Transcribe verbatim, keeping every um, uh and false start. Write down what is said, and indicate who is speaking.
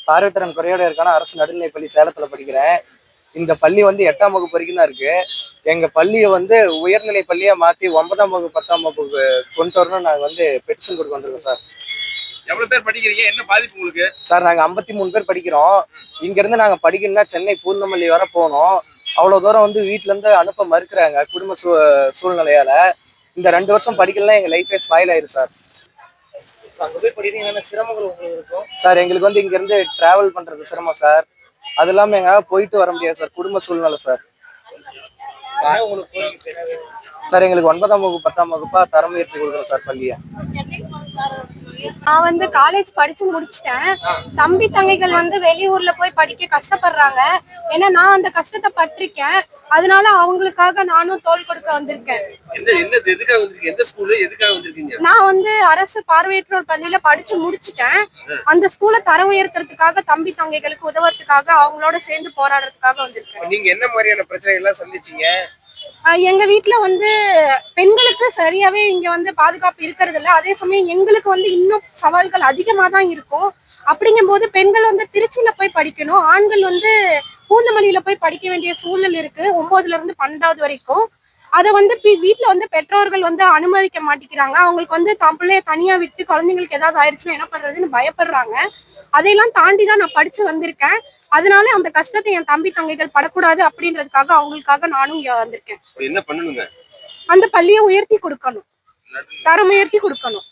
Speaker 1: பார்வைத்திறன் குறையோட இருக்கான அரசு நடுநிலை பள்ளி சேலத்துல படிக்கிறேன். இந்த பள்ளி வந்து எட்டாம் வகுப்பு வரைக்கும் தான் இருக்கு. எங்க பள்ளியை வந்து உயர்நிலை பள்ளியா மாத்தி ஒன்பதாம் வகுப்பு பத்தாம் வகுப்பு கொண்டு வரணும் நாங்க வந்து பெட்டிஷன் கொடுக்க வந்திருக்கோம் சார்.
Speaker 2: எவ்வளவு பேர் படிக்கிறீங்க? என்ன பாதிப்பு உங்களுக்கு?
Speaker 1: சார் நாங்க ஐம்பத்தி மூணு பேர் படிக்கிறோம். இங்க இருந்து நாங்க படிக்கணும்னா சென்னை பூந்தமல்லி வர போனோம். அவ்வளவு தூரம் வந்து வீட்டுல இருந்து அனுப்ப மறுக்கிறாங்க குடும்ப சூ சூழ்நிலையால. இந்த ரெண்டு வருஷம் படிக்கலாம் எங்க லைஃபே ஸ்பாயில் ஆயிரு சார்.
Speaker 3: அங்க போய் படிக்கிறீங்க, சிரமங்கள் உங்களுக்கு இருக்கும்
Speaker 1: சார். எங்களுக்கு வந்து இங்க இருந்து டிராவல் பண்றது சிரமம் சார். அது இல்லாம எங்களால போயிட்டு வர முடியாது சார், குடும்ப சூழ்நிலை சார். சார் எங்களுக்கு ஒன்பதாம் வகுப்பு பத்தாம் வகுப்பா தரம் உயர்த்தி கொடுக்கணும் சார் பள்ளியை.
Speaker 4: நான் வந்து காலேஜ் படிச்சு முடிச்சிட்டேன். தம்பி தங்கைகள் வந்து வெளியூர்ல போய் படிக்க கஷ்டப்படுறாங்க. ஏன்னா நான் அந்த கஷ்டத்தை பட்டிருக்கேன். அதனால அவங்களுக்காக நானும் தோள் கொடுக்க வந்திருக்கேன். நான் வந்து அரசு பார்வையற்றோர் பள்ளியில படிச்சு முடிச்சிட்டேன். அந்த ஸ்கூலை தரம் உயர்த்துறதுக்காக தம்பி தங்கைகளுக்கு உதவுறதுக்காக அவங்களோட சேர்ந்து போராடுறதுக்காக வந்திருக்கேன்.
Speaker 2: நீங்க என்ன மாதிரியான பிரச்சனைகள் எல்லாம் சந்திச்சீங்க?
Speaker 4: எங்க வீட்டுல வந்து பெண்களுக்கு சரியாவே இங்க வந்து பாதுகாப்பு இருக்கிறது இல்ல. அதே சமயம் எங்களுக்கு வந்து இன்னும் சவால்கள் அதிகமா தான் இருக்கும். அப்படிங்கும் போது பெண்கள் வந்து திருச்சியில போய் படிக்கணும், ஆண்கள் வந்து பூந்தமல்லியில போய் படிக்க வேண்டிய சூழல் இருக்கு ஒன்பதுல இருந்து பன்னெண்டாவது வரைக்கும். அதை வந்து வீட்டுல வந்து பெற்றோர்கள் வந்து அனுமதிக்க மாட்டேங்கிறாங்க. அவங்களுக்கு வந்து தம் பிள்ளைய தனியா விட்டு குழந்தைங்களுக்கு ஏதாவது ஆயிடுச்சுன்னா என்ன பண்றதுன்னு பயப்படுறாங்க. அதையெல்லாம் தாண்டிதான் நான் படிச்சு வந்திருக்கேன். அதனால அந்த கஷ்டத்தை என் தம்பி தங்கைகள் படக்கூடாது அப்படின்றதுக்காக அவங்களுக்காக நானும் இங்க வந்திருக்கேன்.
Speaker 2: என்ன பண்ணணுங்க?
Speaker 4: அந்த பள்ளியை உயர்த்தி கொடுக்கணும், தரம் உயர்த்தி கொடுக்கணும்.